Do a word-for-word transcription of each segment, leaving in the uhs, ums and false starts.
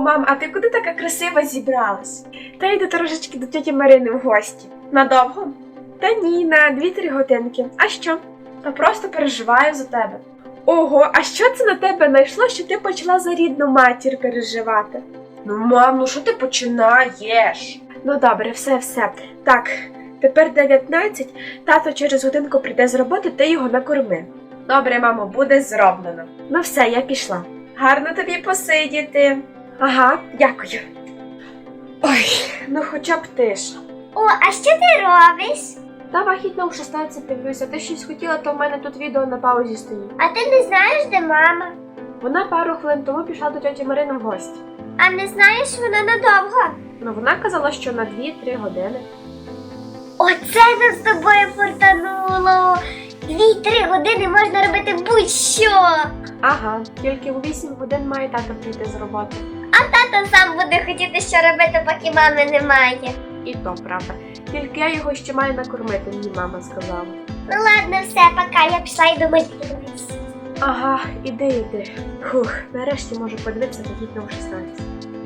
мам, а ти куди така красива зібралась? Та йду трошечки до тьоті Марини в гості. Надовго? Та ні, на дві-три годинки. А що? Та просто переживаю за тебе. Ого, а що це на тебе найшло, що ти почала за рідну матір переживати? Ну, мам, ну що ти починаєш? Ну добре, все-все. Так, тепер дев'ятнадцять, тато через годинку прийде з роботи, ти його накорми. Добре, мамо, буде зроблено. Ну все, я пішла. Гарно тобі посидіти. Ага, дякую. Ой, ну хоча б тиша. О, а що ти робиш? Та вахітно у шістнадцять дивлюся, ти щось хотіла, то в мене тут відео на паузі стоїть. А ти не знаєш, де мама? Вона пару хвилин тому пішла до тьоті Марини в гості. А не знаєш, вона надовго? Ну вона казала, що на дві-три години. Оце нам з тобою фортануло! Дві-три години можна робити будь-що! Ага, тільки у вісім годин має тато прийти з роботи. А тато сам буде хотіти що робити, поки мами немає. І то правда. Тільки я його ще маю накормити, мені мама сказала. Ну ладно, все, пока, я пішла і до митниці. Ага, іди, іди. Фух, нарешті можу подивитися вагітно у шістнадцять.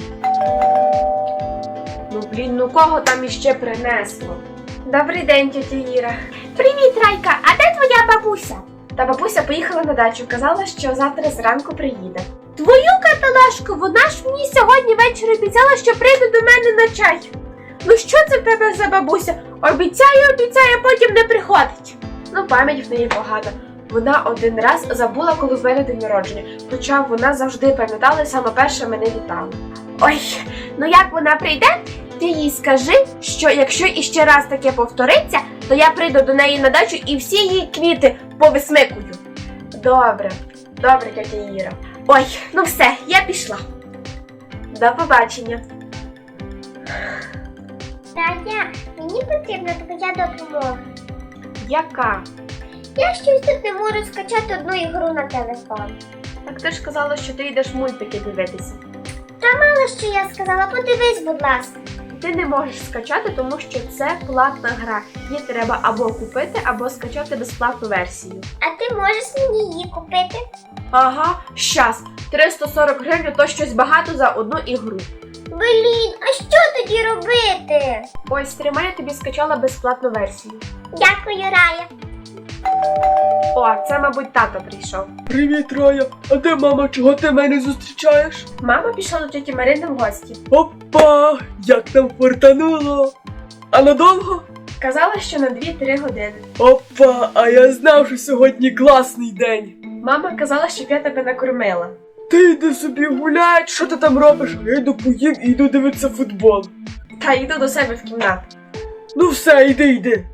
Ну блін, ну кого там іще принесло? Добрий день, тітя Іра. Привіт, Райка, а де твоя бабуся? Та бабуся поїхала на дачу, казала, що завтра зранку приїде. Твою каталашку, вона ж мені сьогодні ввечері обіцяла, що прийде до мене на чай. Ну що це в тебе за бабуся? Обіцяє, обіцяє, потім не приходить. Ну, пам'ять в неї погана. Вона один раз забула, коли в мене день народження, хоча вона завжди пам'ятала і саме перше мене вітала. Ой, ну як вона прийде, ти їй скажи, що якщо іще раз таке повториться, то я прийду до неї на дачу і всі її квіти повисмикую. Добре, добре, тьотя Іра. Ой, ну все, я пішла. До побачення. Таня, мені потрібна твоя допомога. Яка? Я щось тут не можу скачати одну ігру на телефон. Так ти ж казала, що ти йдеш мультики дивитися. Та мало що я сказала, подивись, будь ласка. Ти не можеш скачати, тому що це платна гра. Її треба або купити, або скачати безплатну версію. А ти можеш мені її купити? Ага, щас. триста сорок гривень – то щось багато за одну ігру. Блін, а що тоді робити? Ось, тримай, я тобі скачала безплатну версію. Дякую, Рая. О, це, мабуть, тато прийшов. Привіт, Рая! А де мама? Чого ти мене зустрічаєш? Мама пішла до тьоті Марини в гості. Опа! Як там фортануло! А надовго? Казала, що на дві-три години. Опа! А я знав, що сьогодні класний день! Мама казала, щоб я тебе накормила. Ти йди собі гуляй, що ти там робиш? А я йду поїм і йду дивитися футбол. Та йду до себе в кімнату. Ну все, йди, йди.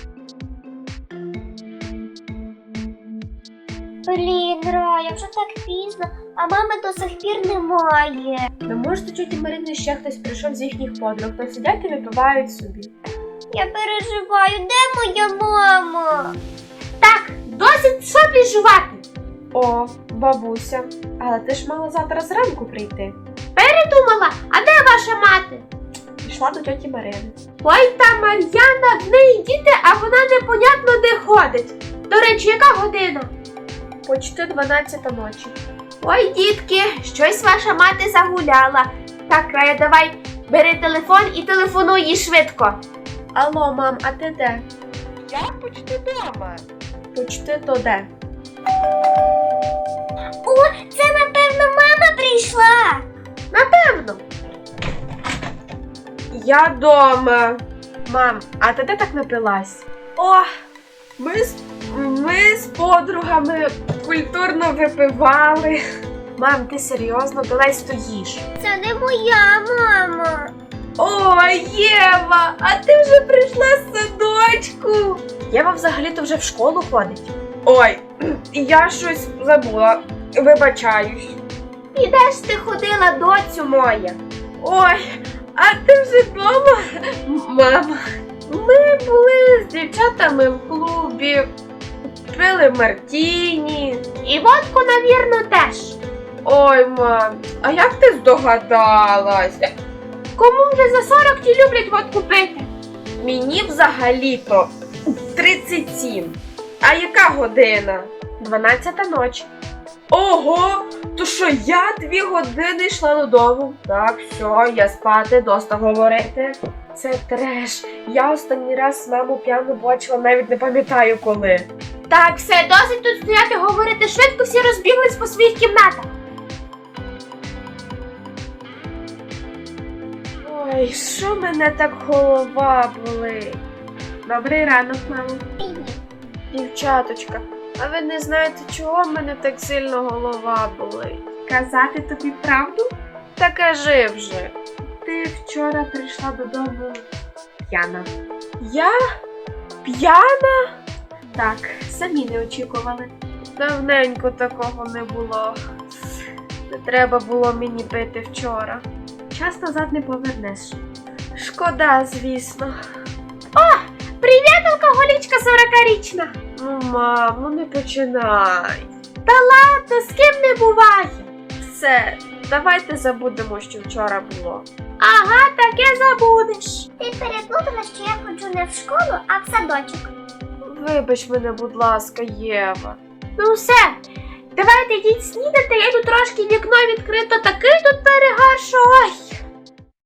Блін, Рая, вже так пізно, а мами до сих пір немає. Ну, може, до тьоті Марини ще хтось прийшов з їхніх подруг, то сидять і випивають собі. Я переживаю, де моя мама? Так, досить собі жувати. О, бабуся, але ти ж мала завтра зранку прийти. Передумала, а де ваша мати? Пішла до тьоті Марини. Ой, та Мар'яна, в неї діти, а вона непонятно де ходить. До речі, яка година? Почти дванадцята ночі. Ой, дітки, щось ваша мати загуляла. Так, Рая, давай, бери телефон і телефонуй їй швидко. Алло, мам, а ти де? Я почти вдома. Почти то де? О, це, напевно, мама прийшла. Напевно. Я дома. Мам, а ти де так напилась? О, ми з, ми з подругами культурно випивали. Мам, ти серйозно? Давай стоїш. Це не моя мама. О, Єва, а ти вже прийшла з садочку. Єва взагалі-то вже в школу ходить. Ой, я щось забула. Вибачаюсь. І де ж ти ходила, доцю моя? Ой, а ти вже вдома? Мама, ми були з дівчатами в клубі, пили мартіні. І водку, навірно, теж. Ой, мам, а як ти здогадалась? Кому вже за сорок ті люблять водку пити? Мені взагалі-то тридцять сім. А яка година? Дванадцята ночі. Ого! То що я дві години йшла додому? Так, все, я спати, доста говорити. Це треш. Я останній раз маму п'яну бачила, навіть не пам'ятаю коли. Так, все, досить тут стояти, говорити швидко, всі розбіглись по своїх кімнатах. Ой, що мене так голова болить? Добрий ранок, мамо. Дівчаточка, а ви не знаєте, чого в мене так сильно голова болить? Казати тобі правду? Та кажи вже. Ти вчора прийшла додому п'яна. Я? П'яна? Так, самі не очікували. Давненько такого не було. Не треба було мені пити вчора. Час назад не повернеш. Шкода, звісно. Привіт, алкоголічка сорокарічна. Ну, мам, ну не починай. А то з ким не буває. Все, давайте забудемо, що вчора було. Ага, таке забудеш. Ти переплутала, що я ходжу не в школу, а в садочок. Вибач мене, будь ласка, Єва. Ну все, давайте йдіть снідати, я йду трошки вікно відкрито, такий тут перегар, що ой.